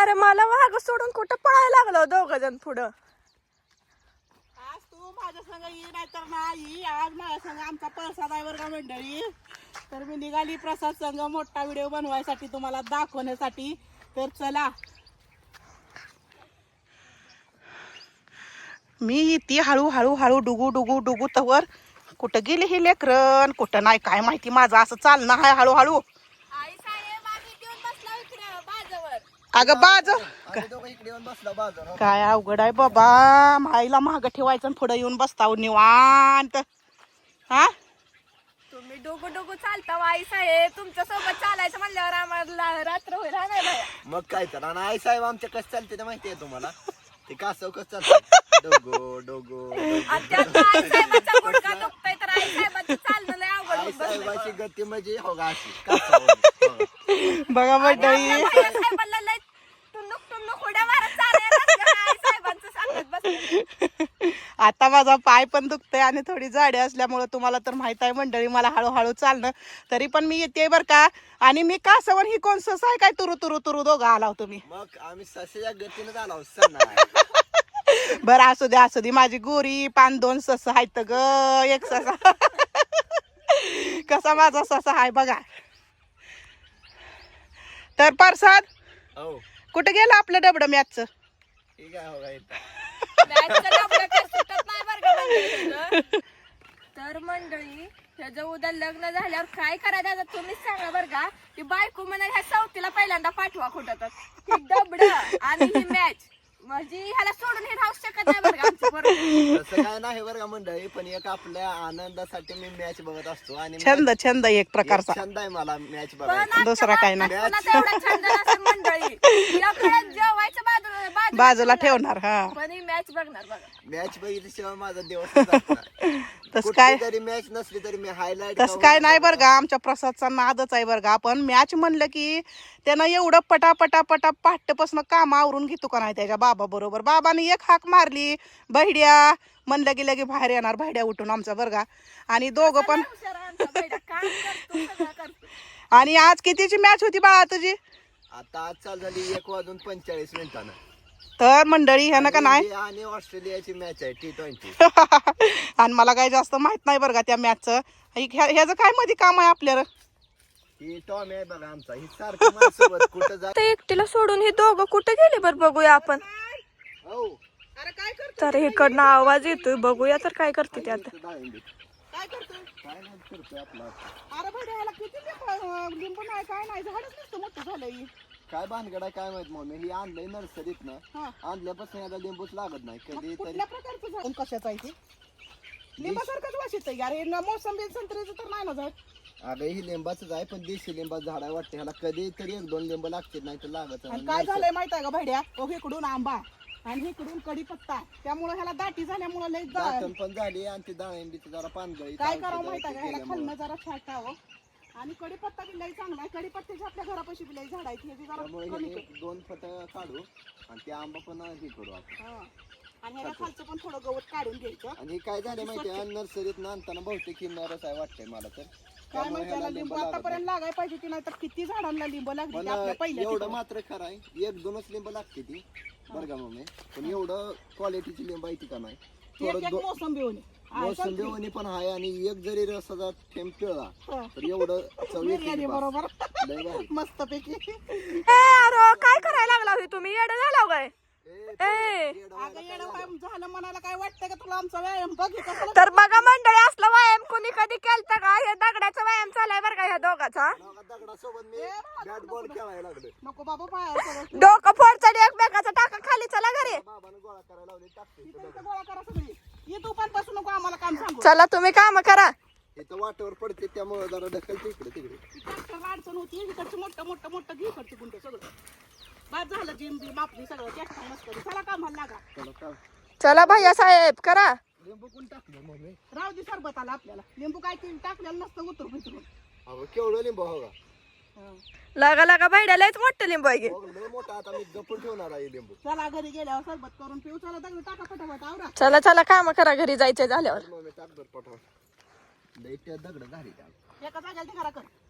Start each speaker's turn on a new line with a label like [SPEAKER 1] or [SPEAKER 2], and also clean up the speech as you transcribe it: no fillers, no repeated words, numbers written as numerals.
[SPEAKER 1] अरे मला माग सोडून कुठं पळायला लागलो दोघ जण पुढं.
[SPEAKER 2] आज तू माझ्या संग ये नाही तर नाही. आज माझ्या संग आमचा प्रसाद आहे बरं का मंडळी. तर मी निघाली प्रसाद संग मोठा व्हिडिओ बनवायसाठी तुम्हाला दाखवण्यासाठी. तर चला
[SPEAKER 3] मी ती हळूहळू हळू डुगू डुगू डुगू तवर कुठं गेले हे लेकरन कुठं नाही काय माहिती. माझं असं चालणं आहे हळूहळू. अगं बाज काय अवघड आहे बाबा. माईला माग ठेवायचं पुढे येऊन बसता निवांत. हा
[SPEAKER 1] तुम्ही डोगू डोगू चालता आई साहेब. तुमच्या सोबत चालायचं म्हणल्यावर आम्हाला रात्र होईल. हा नाही बाया.
[SPEAKER 4] मग काय तर आणि आई साहेब आमच्या कसं चालते ते माहिती आहे तुम्हाला. ते कासव कसं चालतं डोगो डोगो
[SPEAKER 1] आणि त्यात आई साहेबाचा गुडघा दुखतोय तर आई साहेबाचं चालणं लय अवघड
[SPEAKER 4] आई
[SPEAKER 1] होऊन बसलंय
[SPEAKER 4] साहेबाची
[SPEAKER 1] बघा.
[SPEAKER 4] गती म्हणजे हो का अशी कासवावानी.
[SPEAKER 3] बघा
[SPEAKER 1] आणि
[SPEAKER 3] मंडळी
[SPEAKER 1] आपल्या भैया साहेबाला लय टुनुक टुनुक उड्या मारत चालायला आई साहेबांचं सांगत बसले.
[SPEAKER 3] आता माझा पाय पण दुखतोय आणि थोडी जाडी असल्यामुळे तुम्हाला तर माहित आहे मंडळी मला हळूहळू चालणं. तरी पण मी येते बर का. आणि मी कासवन ही कोण सस आहे काय तुरु तुरु तुरु दोघं आलाव तुम्ही.
[SPEAKER 4] मग आम्ही ससेच्या गतीनं झालो सणा.
[SPEAKER 3] बरं असू दे माझी गोरी पान 2 सस आहेत ग. एक ससा कसा माझा ससा आहे बघा. तर प्रसाद
[SPEAKER 4] हो
[SPEAKER 3] कुठे गेलं आपलं डबडं मॅचचं.
[SPEAKER 4] ठीक आहे हो का इथं.
[SPEAKER 1] मॅचचं डबलं काही सुटत नाही बरं का मंडळी. तर मंडळी ह्याचं उद्या लग्न झाल्यावर काय करायचं आता तुम्हीच सांगा बरं का. की बायको म्हणा ह्या चौथीला पहिल्यांदा पाठवा कुठं तर. ही डबड आणि ही मॅच म्हणजे ह्याला सोडून हे राहू शकत नाही बरं का आमचं पोरगं.
[SPEAKER 4] तसं काय नाही बरं का मंडळी. पण एक आपल्या आनंदासाठी मी मॅच बघत असतो आणि
[SPEAKER 3] छंद एक प्रकारचा
[SPEAKER 4] छंद आहे मला मॅच
[SPEAKER 1] पण
[SPEAKER 4] बघायचा.
[SPEAKER 1] आमच्या
[SPEAKER 3] दुसरा काही नाही.
[SPEAKER 1] बाबतीत तुला तेवढा छंद नसेल मंडळी. तिला जेवायचं
[SPEAKER 3] बाजूला ठेवणार. हा
[SPEAKER 1] पण ही मॅच बघणार बघा.
[SPEAKER 4] मॅच बघितल्याशिवाय माझा दिवस जात नाही.
[SPEAKER 3] तस काय
[SPEAKER 4] कुठली तरी मॅच नसली तरी मी हायलाइट
[SPEAKER 3] तस काय नाही बरं का. आमच्या प्रसादचा नादच आहे बरं का. आपण मॅच म्हणलं की त्यानं एवढं पटापटा पाठपासून काम आवरून घेतो का नाही त्याच्या बाबा बरोबर. बाबाने एक हाक मारली बहिड्या म्हणलं की लगे बाहेर येणार बहिड्या उठून आमचा बरं का. आणि दोघं पण
[SPEAKER 1] हुशार आहे आमचा बैठा. काम करतो सगळं करतो.
[SPEAKER 3] आणि आज कितीची मॅच होती बाळा तुझी.
[SPEAKER 4] आता आज चालू झाली 1:45
[SPEAKER 3] तर मंडळी ह्यानं का नाही
[SPEAKER 4] इंडिया आणि ऑस्ट्रेलियाची मॅच आहे T20.
[SPEAKER 3] आणि मला काही जास्त माहित नाही बरं का त्या मॅचचं. ह्याचं काय मध्ये काम आहे आपल्याला.
[SPEAKER 4] ही टॉम आहे बघा आमचा. ही सारखं माझ्यासोबत कुठं जा.
[SPEAKER 1] ते एकटीला सोडून हे दोघं कुठे गेले बरं बघूया आपण.
[SPEAKER 4] हो
[SPEAKER 3] अरे काय करतो
[SPEAKER 1] तर इकडनं आवाज येतोय बघूया तर काय करते ते आता.
[SPEAKER 3] काय करतोय.
[SPEAKER 4] काय नाही करतोय आपला.
[SPEAKER 3] अरे बहिड्या ह्याला किती लिंबू नाही काय नाही झाडच नसतं मोठं झालंय.
[SPEAKER 4] काय भानगड आहे काय माहित मम्मी. ही आणलंय नर्सरीत ना. आणल्यापासून याला लिंबूच लागत नाही कधी तरी.
[SPEAKER 3] कुठल्या प्रकारचं झाड कशाचं आहे ते. लिंबासारखंच वास येतंय यार. हे मोसंबी संत्र्याचं तर नाही ना झाड.
[SPEAKER 4] अगं ही लिंबाच आहे पण देशी लिंबाचं झाड आहे वाटते. ह्याला कधी तरी 1-2 लिंब लागते नाही तर लागत
[SPEAKER 3] आणि काय झालंय माहित आहे का भाड्या. इकडून आंबा आणि इकडून कडीपत्ता. त्यामुळे ह्याला दाटी झाल्यामुळे लय
[SPEAKER 4] दाटण पण झाली आणि ती डाळिंबीची जरा पानगळी.
[SPEAKER 3] काय करावं माहित आहे का. ह्याला खाल्लं जरा छाटावं. आणि कडीपत्ता बी लय चांगला आहे. कडीपत्त्याची आपल्या घरापाशी बी लय झाड आहे.
[SPEAKER 4] त्यामुळे हे 2 फट काढू आणि ते आंबा पण हे करू आपण.
[SPEAKER 3] आणि ह्याला खालचं पण थोडं गवत काढून घ्यायचं.
[SPEAKER 4] आणि हे काय झालं माहितीये नर्सरीत ना आणताना बहुतेक किन्नरच आहे वाटतंय मला तर.
[SPEAKER 3] काय माहिती याला लिंबू आतापर्यंत लागाय पाहिजे की नाही तर किती झाडांना लिंब लागली
[SPEAKER 4] पण
[SPEAKER 3] आपल्या पहिल्या
[SPEAKER 4] एवढं मात्र खरं आहे. 1-2च लिंब लागते ती बरं का मम्मी. पण एवढं क्वालिटीची लिंब आहे ती का नाही.
[SPEAKER 3] एक मोसंबी होणे.
[SPEAKER 4] मोसंबी पण आहे आणि एक जरी रसाचा थेंब पिळला तर एवढं चवीत
[SPEAKER 3] बरोबर मस्त पैकी.
[SPEAKER 1] अरे काय करायला लागला हे तुम्ही. येडं झाला काय.
[SPEAKER 3] झालं म्हणायला काय वाटतं का तुला आमचा व्यायाम बघ.
[SPEAKER 1] तर बघा मंडळी असलं व्यायाम कोणी कधी केलता का. हे दगडाचा व्यायाम चालाय बरं का ह्या दोघाचा.
[SPEAKER 4] दगडासोबत मी बॅट बॉल खेळायला लागलो.
[SPEAKER 3] नको बाबा पाया
[SPEAKER 1] डोकं फोडचं एकमेकाचा टाका खाली चला घरी.
[SPEAKER 4] बाबाने गोळा करायला लावले टाकते
[SPEAKER 3] गोळा करा सगळी. ये तू पण बसू नको आम्हाला काम सांगू.
[SPEAKER 1] चला तुम्ही काम करा.
[SPEAKER 4] इथं वाटेवर पडते त्यामुळे जरा ढकलते इकडे तिकडे.
[SPEAKER 3] अडचण होती. इकडचं मोठं घे इकडचं गुंड सगळं बाद झालं. जिम मापली सगळं जास्त मस्त. चला कामाला लागा.
[SPEAKER 1] चला भैया साहेब करा.
[SPEAKER 4] लिंबू कोण टाकलं मम्मी.
[SPEAKER 3] राहू दे सरबत आला आपल्याला. लिंबू काय टाकलेलं नसतं उतरून बितरून.
[SPEAKER 4] अहो केवढं लिंबू हो का.
[SPEAKER 1] लागा लागा बैड्या लयच मोठं लिंबू आहे.
[SPEAKER 4] लय मोठा आता मी जपून ठेवणार आहे लिंबू.
[SPEAKER 3] चला घरी गेल्यावर सरबत करून पिऊ. चला दगड टाका फटाफट आवरा.
[SPEAKER 1] चला चला काम करा घरी जायचं झाल्यावर.
[SPEAKER 4] मम्मी टाक बरं पटवून. लय त्या दगड घाली त्या.
[SPEAKER 3] एका जागेला ते करा कर.